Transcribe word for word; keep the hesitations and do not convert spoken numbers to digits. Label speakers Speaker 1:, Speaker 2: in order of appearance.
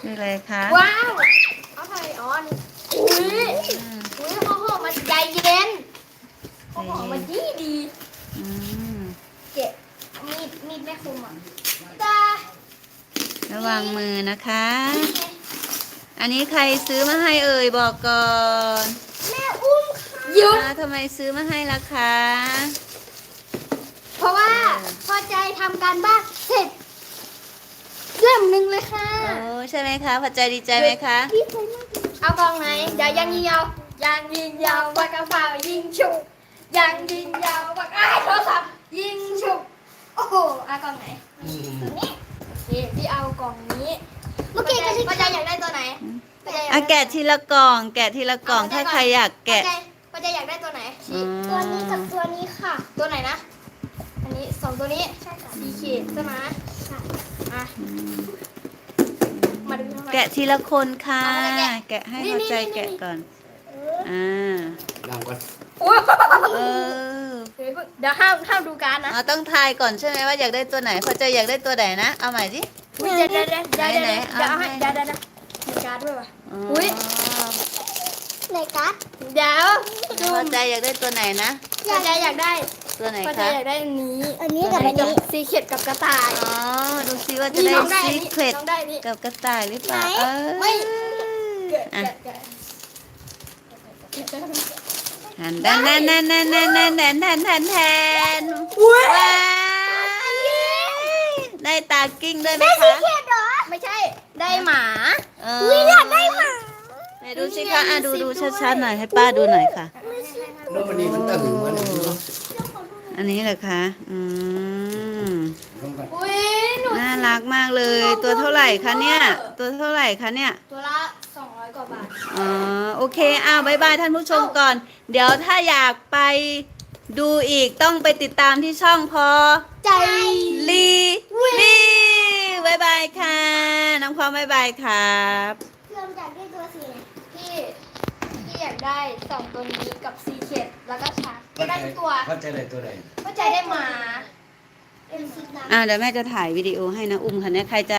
Speaker 1: คืออะไรคะ
Speaker 2: ว้าวเอาไทยอ๋อนี่อุ้ยอุ้ยข้าวหอมมันใจเย็นข้าวหอมมันดีดี
Speaker 1: อืม
Speaker 2: เจ็บมีดมีดแม่คุมอ่ะตา
Speaker 1: ระวังมือนะคะ อันนี้ใครซื้อมาให้เอ่ยบอกก่อน
Speaker 2: แม่อุ้มค่ะหยุด
Speaker 1: อ่าทำไมซื้อมาให้ล่ะคะ
Speaker 2: เพราะว่าพอใจทำการบ้านเสร็จเล่มหนึ่งเลยค่ะ
Speaker 1: โอ้ใช่ไหมคะพอใจดีใจไหมคะ
Speaker 2: ดีใจมากเอากองไหนอย่ายังยิงยาวยังยิงยาวปากกระเป๋ายิงฉุกยังยิงยาวปากไอ้ายโทรศัพท์ยิงฉุกโอ้โหเอากองไหนตัวนี้นี่พี่เอากล่องนี้เมื่อกี้ก็ที่พอใจอยากได้ตัวไหนพอใจอยาก
Speaker 1: อ่ะ
Speaker 2: ได้
Speaker 1: แกะทีละกล่อง แกะทีละกล่อง
Speaker 2: เ
Speaker 1: ถ้าใครอยากแกะ
Speaker 2: พอใจพอใจอยากได้ตัวไหน
Speaker 1: อืม
Speaker 2: ตัวนี้กับตัวนี้ค่ะ ตัวไหนนะ อันนี้สองตัวนี้สีเขีดใช่ไหมอ่ะมาดูข้างใน
Speaker 1: แกะทีละคนค่ะ
Speaker 2: เอามาแกะ
Speaker 1: แกะให้
Speaker 2: นี่
Speaker 1: พอใจ
Speaker 2: นี่นี่
Speaker 1: แกะก่อน อ่า
Speaker 3: ดังก่อน
Speaker 2: โอ้ย
Speaker 1: เออ
Speaker 2: เดี๋ยวห้ามห้ามดูการดนะ
Speaker 1: เอาต้องทายก่อนใช่ไหมว่าอยากได้ตัวไหน พอใจอยากได้ตัวไหนนะ เอาใหม่สิ
Speaker 2: อุ๊ยเดี๋ยวเดี๋ยวเดี๋ยวเดี๋ยวเดี๋ยว
Speaker 1: ไหน
Speaker 2: เดี๋ยว
Speaker 1: ๆ
Speaker 2: เอาให้
Speaker 1: เอาให้
Speaker 2: เดี๋ยวเดี๋ยวเดี๋ยวมีการ์ดด้วยว่ะ
Speaker 1: อ๋อ
Speaker 2: อุ๊ย ในการ์ดเดี๋ยวดู
Speaker 1: พอใจอยากได้ตัวไหนนะ
Speaker 2: พอใจอยากได้
Speaker 1: ตัวไหน
Speaker 2: พอใจ
Speaker 1: คะ
Speaker 2: อยากได้อันนี้
Speaker 4: อันนี้กับอันนี้
Speaker 2: สีเขียดกับกระต่าย
Speaker 1: อ๋อ ดูซิว่าจะ
Speaker 2: นี่
Speaker 1: ได้
Speaker 2: น้องได้อัน
Speaker 1: ซี
Speaker 2: นี้
Speaker 1: เครต
Speaker 2: น้องได้อันนี้
Speaker 1: กับกระต่ายหรือเปล่า
Speaker 4: ไหน
Speaker 1: เออ
Speaker 2: ไม่ แกะ
Speaker 1: อ่ะ
Speaker 2: แกะแกะ
Speaker 1: หันดันดันดันดันดันดันดันดันดันแทน
Speaker 2: อุ๊ย
Speaker 1: ว้ายได้ตากิ้งด้วยไหมคะ
Speaker 2: เขียดเหรอไม่ใช่ได้หมา
Speaker 1: เอออยากได้หมาไหนดูสิคะอ่ะดูดูชัดๆหน่อยให้ป้าดูหน่อยค่ะ
Speaker 3: แล้ววันนี้มันตั้งถึงวันไหนไม่รู้
Speaker 1: อันนี้เหรอคะอืม
Speaker 3: ลงกัน
Speaker 2: อุ้ยหนู
Speaker 1: น่ารักมากเลย ตัวเท่าไหร่คะเนี่ย ตัวเท่าไหร่คะเนี่ย
Speaker 2: ตัวละสองร้อยกว่าบาท
Speaker 1: อ๋อโอเคอ้าวบายบายท่านผู้ชมก่อน เดี๋ยวถ้าอยากไปดูอีกต้องไปติดตามที่ช่องพอ
Speaker 2: ใจ
Speaker 1: ลีลีบายบายค่ะ น้องพร้อมบายบายครับ
Speaker 4: เริ่มจากด้วยตัวสีไหน
Speaker 2: พี่พี่อยากได้สองตัวนี้กับซีเค็ดแล้วก็ชาร์กก็ได้ทุกตัว
Speaker 3: เข้าใจเลยตัวไหน
Speaker 2: ก็ใจได้หมา
Speaker 4: เป็นสีดำ
Speaker 1: อ่าเดี๋ยวแม่จะถ่ายวิดีโอให้นะอุ้มค่ะเนี่ยใครจะ